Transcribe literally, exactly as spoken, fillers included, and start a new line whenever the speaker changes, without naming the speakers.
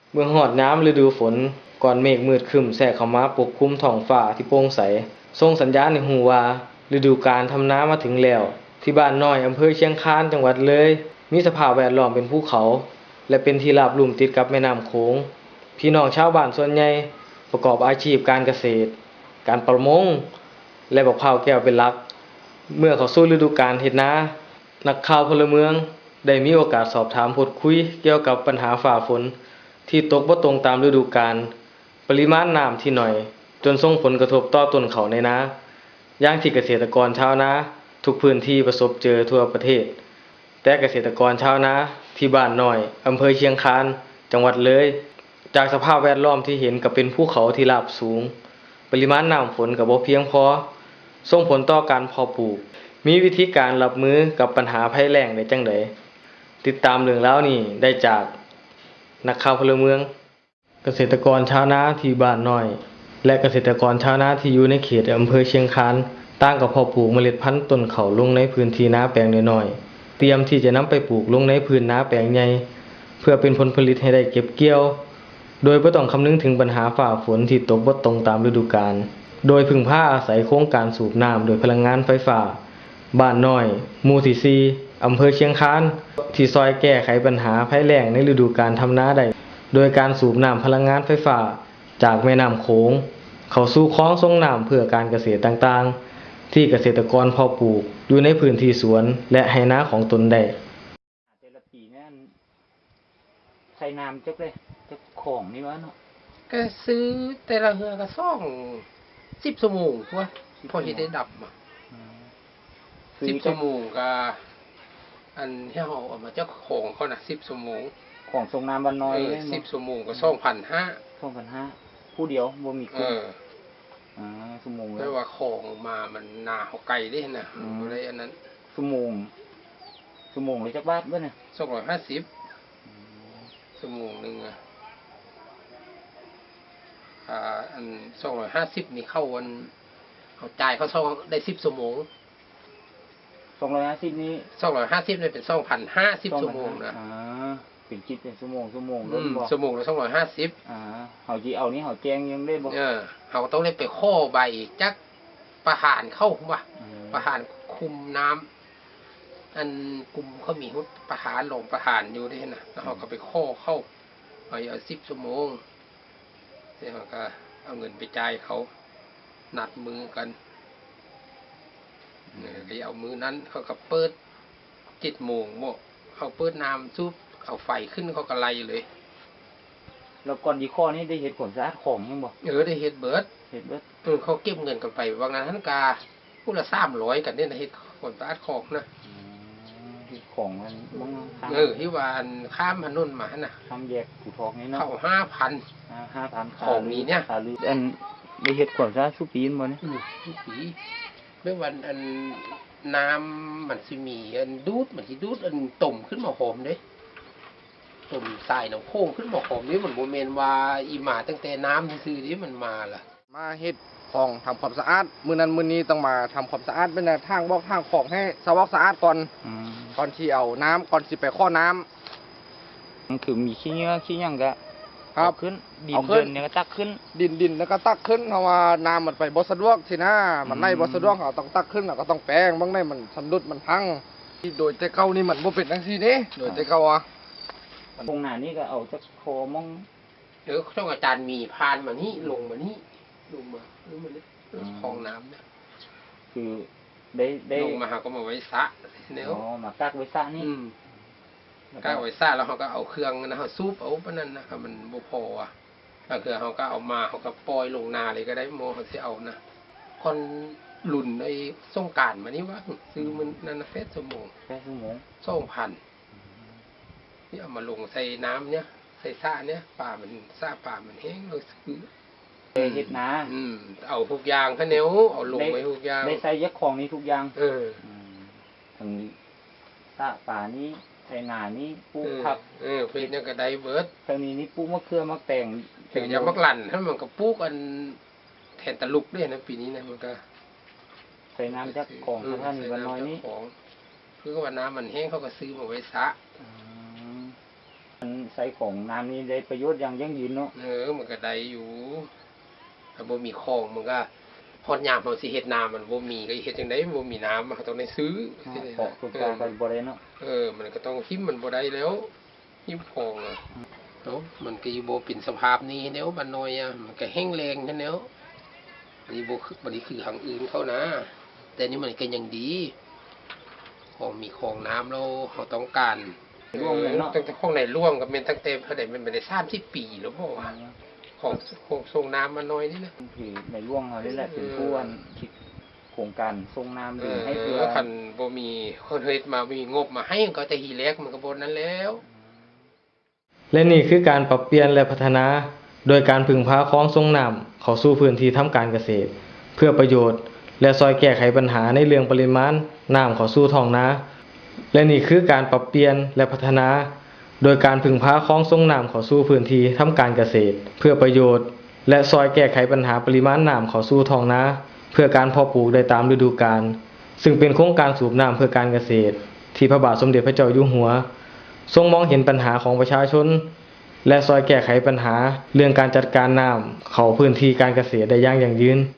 เมื่อฮอดยามฤดูฝนก้อนเมฆมืดครึ้มแทรกเข้ามาปกคลุมท้องฟ้าที่โปร่งใสส่งสัญญาณให้รู้ว่าฤดูกาลทำนามาถึงแล้วที่บ้านน้อยอำเภอเชียงคานจังหวัดเลยมีสภาพแวดล้อมเป็นภูเขาและเป็นที่ราบลุ่มติดกับแม่น้ำโขงพี่น้องชาวบ้านส่วนใหญ่ประกอบอาชีพการเกษตรการประมงและบักพร้าวแก้วเป็นหลักเมื่อเข้าสู่ฤดูกาลเฮ็ดนานักข่าวพลเมืองได้มีโอกาสสอบถามพูดคุยเกี่ยวกับปัญหาฟ้าฝนที่ตกบ่ตรงตามฤดูกาลปริมาณน้ำที่น้อยจนส่งผลกระทบต่อต้นข้าวในนาอย่างที่เกษตรกรชาวนาทุกพื้นที่ประสบเจอทั่วประเทศแต่เกษตรกรชาวนาที่บ้านน้อยอำเภอเชียงคานจังหวัดเลยจากสภาพแวดล้อมที่เห็นก็เป็นภูเขาที่ราบสูงปริมาณน้ำฝนก็บ่เพียงพอส่งผลต่อการเพาะปลูกมีวิธีการรับมือกับปัญหาภัยแล้งได้จั่งใดติดตามเรื่องราวนี้ได้จากนักข่าวพลเมืองเกษตรกรชาวนาที่บ้านน้อยและเกษตรกรชาวนาที่อยู่ในเขตอำเภอเชียงคานต่างก็เพาะปลูกเมล็ดพันธุ์ต้นข้าวลงในพื้นที่นาแปลงน้อยๆเตรียมที่จะนำไปปลูกลงในพื้นนาแปลงใหญ่เพื่อเป็นผลผลิตให้ได้เก็บเกี่ยวโดยบ่ต้องคำนึงถึงปัญหาฟ้าฝนที่ตกบ่ตรงตามฤดูกาลโดยพึ่งพาอาศัยโครงการสูบน้ำโดยพลังงานไฟฟ้าบ้านน้อยหมู่ที่สี่อำเภอเชียงคานที่ซอยแก้ไขปัญหาภัยแล้งในฤดูกาลทำนาได้โดยการสูบน้ำพลังงานไฟฟ้าจากแม่น้ำโขงเข้าสู่คลองส่งน้ำเพื่อการเกษตรต่างๆที่เกษตรกรเพาะปลูกอยู่ในพื้นที่สวนและไหนาของตนได้
แต่ละปีเนี่ยใส่น้ำจักเลยจักของนี่วะเนาะ
ก็ซื้อแต่ละเฮือก็ซ่องสิบชั่วโมงวะพอเฮ็ดได้ดับอ่ะสิบชั่วโมงก็อันที่เขาเอามาเจ้าของเขาน่ะสิบชั่วโมง
ของส่งน้ำวันน้อย
สิบชั่วโมงก็สองพันห้า
สองพันห้าผู้เดียวบ่มีคน
เออ
อ่าชั่วโมง
แล้วว่าของมามันนาเขาไกลได้น่ะอะไรอันนั้น
ชั่วโมงชั่วโมงเลยจักบาทเบิ่เนี่ย
สองร้อยห้าสิบชั่วโมงนึงอ่ะอ่าอันสองร้อยห้าสิบนี่เข้าวันเขาจ่ายเขาซ่องได้สิบชั่วโมง
สองร้อยห้าสิบนี้
สองร้อยห้าสิบเนี่ยเป็นสองพันห้าสิบชั่วโมงนะ
อ่าเป็นคิดเป็นชั่วโมงชั่วโมง
อืมชั่วโมงละสองร้อยห้าสิบ
อ่าเขาจีเอานี้เขาแจ้งยังได้บ่
เออเขาต้องได้ไปข้อใบจักประหารเข้าว่ะประหารคุมน้ำอันกลุ่มเขามีหุประหารลงประหารอยู่ด้วยนะแล้วเขาก็ไปข้อเข้าเอาเอาสิบชั่วโมงเนี่ยเขาก็เอาเงินไปจ่ายเขานัดมือกันเนี่ยเอามือนั้นเขาก็เปิดเจ็ดโมงโมเขาเปิดน้ำซุปเอาไฟขึ้นเขาก็ไล่เลย
แล้วก่อนดีข้อนี้ได้เห็ดผลสะอาดของยังบ่
เออได้เห็ดเบิร์ด
เห็ดเบิร์ด
เออเขาเก็บเงินกันไปบางนั้นท่านกาผู้ละสามร้อยกันเนี่ยนะเห็ดผลสะอาดของนะ
เห็ดของมันบ้าง
เออที่วานข้ามถนนมาน่ะ
ข้ามแยกผูทองนี่เนาะ
เข้าห้าพัน
ห้าพัน
ของนี้เนี่ย
อันได้เห็ดผลสะอาดสุปีนบ่เนี่ย
สุปีเมื่อวันอันน้ำมันสิมีอันดูดมันสิดูดอันต่มขึ้นมาหอมเด้ตุ่มใส่น้ำโค้งขึ้นมาหอมนี่มันโมเมนว่าอีหมาตั้งแต่น้ำซื้อนี่มันมาล่ะ
มาเฮ็ดของทำความสะอาดมื้อนั้นมื้อนี้ต้องมาทำความสะอาดเป็นทางบอกทางของให้สวอกสะอาดก่อนก่อนที่เอาน้ำก่อนสิไปข้อน้
ำมันคือมีขี้เนื้อขี้ยังกะ
ครับ
ขึ้นดินเดินเนี่ยก็ตักขึ้น
ดินดินแล้วก็ตักขึ้นเพราะว่าน้ำมันไปบ่สะดวกทีนะมันในบ่สะดวกเขาต้องตักขึ้นแล้วก็ต้องแปลงบางในมันสำรุดมันพังโดยแต่เก่านี่มันบ่เป็นจังซี่เด้โดยแต่เก่าอ่ะ
ตรงหน้านี้ก็เอาจักโคมอง
เดี๋ยวช่องอาจารย์มีพานมานี่ลงมานี่ลงมาลงมาเลยคลองน้ำเนี่ย
คือได้ได้
ลงมาเขาก็มาไว้สระ
เนี่ยอ๋อมากักไว้สระนี่
กักไว้สระแล้วเขาก็เอาเครื่องนะเขาซูบเอาปะนั่นนะครับมันบ่พออ่ะถ้าเกิดเขาก็เอามาเขาก็ปล่อยลงนาเลยก็ได้โมเขาจะเอานะคนหลุนในส่งการมานี่ว่าซื้อมันนันเฟสสมอง
เฟสสมอง
สองพันนี่เอามาลงใส่น้ำเนี่ยใส่ซ่าเนี่ยป่ามันซ่าป่ามันแห้งเลยซื้อ
เห็ดนา
อืมเอาทุกอย่างข้าเนี้ยเอาลงไว้ทุกอย่าง
ได้ใส่ยักของนี้ทุกอย่าง
เออ
ถึงซ่าป่านี้ใส่หนานี้ปูผัก
เออเป็นยังกระไดเบิร์ด
ทางนี้นี่ปูมะเขือมะแตง
ถึงจะมักหลั่นถ้ามันก็ปูกันแทนตะลุกด้วยนะปีนี้นะมันก็
ใส่น้ำจักของท่านนี้วันน้อยนี้
คือว่าน้ำมันแห้งเขาก็ซื้อมาไว้ซะ
มันศัยของน้ำนี้ได้ประโยชน์อย่างยั่งยืนเนาะ
เออมันก็ได้อยู่ถ้าบ่มีคลองมันก็ฮอดยามเฮาสิเฮ็ดนามันบ่มีก็เฮ็ดจังได๋บ่มีน้ำเฮาต้องได้ซื้อ
เพาะปลูกปลาก็บ่ได้เนาะ
เออมันก็ต้องหิมมันบ่ได้แล้วหิมคลองอ่ะเนาะมันก็อยู่บ่เป็นสภาพนี้แนวบ้านน้อยอ่ะมันก็แห้งแล้งแนวอันนี้บ่คือบ่ได้คือทางอื่นเขานะ แต่นี่มันก็ยังดีของมีคลองน้ำแล้วเฮาต้องการ
ร่วงเลยเนาะ
ตั้งแต่ข้องในร่วมกับเมนตั้งแต่เท่าใดมันไม่ได้สามสิบปีแล้วบ่ว่าของของส่งน้ำมาน้อยนี่นะ
คือในร่วงเขานี่แหละเป็นผู้อันคิดโครงการส่งน้ำ
เอ
ดึง
อ
ให้เพื่อ
คันบ่มีคนเฮ็ดมามีงบมาให้ก็แต่ทีแรกมันก็บ่นั้นแล้ว
และนี่คือการปรับเปลี่ยนและพัฒนา โดยการพึ่งพาคลองส่งน้ำเข้าสู่พื้นที่ทำการเกษตร เพื่อประโยชน์และซอยแก้ไขปัญหาในเรื่องปริมาณน้ำเข้าสู่ท้องนา และนี่คือการปรับเปลี่ยนและพัฒนา โดยการพึ่งพาคลองส่งน้ำเข้าสู่พื้นที่ทำการเกษตร เพื่อประโยชน์และซอยแก้ไขปัญหาปริมาณน้ำเข้าสู่ท้องนา เพื่อการเพาะปลูกได้ตามฤดูกาล ซึ่งเป็นโครงการสูบน้ำเพื่อการเกษตร ที่พระบาทสมเด็จพระเจ้าอยู่หัวทรงมองเห็นปัญหาของประชาชน และซอยแก้ไขปัญหาเรื่องการจัดการน้ำเข้าพื้นที่การเกษตรได้อย่างยั่งยืน